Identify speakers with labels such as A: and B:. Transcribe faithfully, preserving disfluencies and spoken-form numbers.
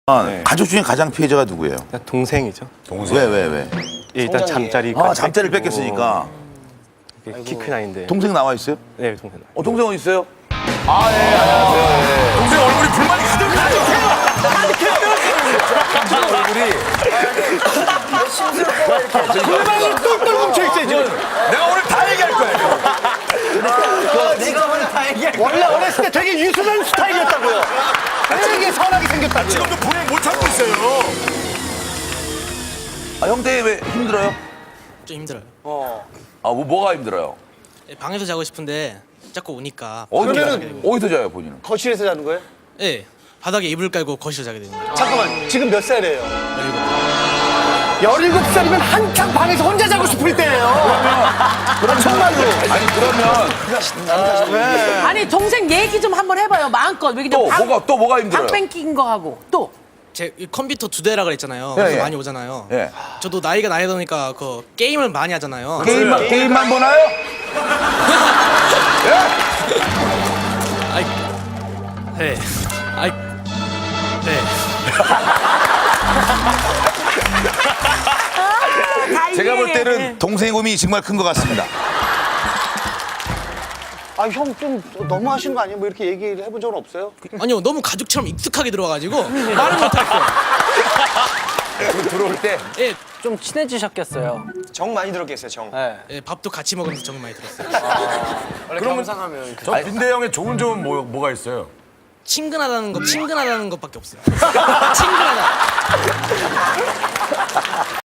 A: 네. 가족 중에 가장 피해자가 누구예요?
B: 동생이죠.
A: 동생. 왜, 왜, 왜?
B: 예, 일단 잠자리.
A: 아, 잠자리를 뺏겼으니까.
B: 키 큰 아이인데.
A: 동생 나와 있어요?
B: 네, 동생.
A: 어, 동생 어디 있어요? 아, 예, 안녕하세요. 예.
C: 동생 얼굴이 불만이 가득해요.
A: 불만이 똘똘 뭉쳐있어요, 지금.
C: 내가 오늘 다 얘기할 거야.
D: 내가 오늘 다 얘기할 거야.
E: 원래 어렸을 때 되게 유순한 스타일이었다고요. 되게 선하게 생겼다고요.
C: 지금도 불을 못 참고 있어요.
A: 아, 형 때문에 왜 힘들어요?
F: 좀 힘들어요.
A: 아, 뭐, 뭐가 힘들어요?
F: 예, 방에서 자고 싶은데 자꾸 오니까
A: 어디서,
E: 그러면은-
A: 어디서 자요, 본인은?
E: 거실에서 자는 거예요?
F: 예, 바닥에 이불 깔고 거실에 자게 되는 거죠.
E: 잠깐만, 지금 몇 살이에요?
F: 그리고
E: 열일곱 살이면 한창 방에서 혼자 자고 싶을 때예요. 그럼 정말로.
A: 아니, 그러면
G: 아니 동생 얘기 좀 한번 해봐요 마음껏. 왜
A: 또,
G: 방,
A: 뭐가, 또 뭐가 힘들어요?
G: 방 뺏긴 거 하고 또
F: 제 컴퓨터 두 대라 그랬잖아요.
A: 예,
F: 그래서
A: 예.
F: 많이 오잖아요.
A: 예.
F: 저도 나이가 나이 드니까 그 게임을 많이 하잖아요.
A: 게임만, 게임만 보나요?
F: 아이, 네, 아이, 네.
A: 제가 볼 때는 동생의 고민이 정말 큰 것 같습니다.
E: 아, 형 좀 너무 하시는 거 아니에요? 뭐 이렇게 얘기를 해본 적은 없어요?
F: 아니요, 너무 가족처럼 익숙하게 들어와가지고 말을 못했어요.
A: 들어올 때.
F: 예,
D: 좀 친해지셨겠어요.
C: 정 많이 들었겠어요, 정.
D: 네.
F: 예, 밥도 같이 먹으면서 정말 많이 들었어요.
D: 원래 경상하면
C: 저 빈대 형의 좋은 점은 뭐, 뭐가 있어요?
F: 친근하다는 것, 친근하다는 것밖에 없어요. 친근하다.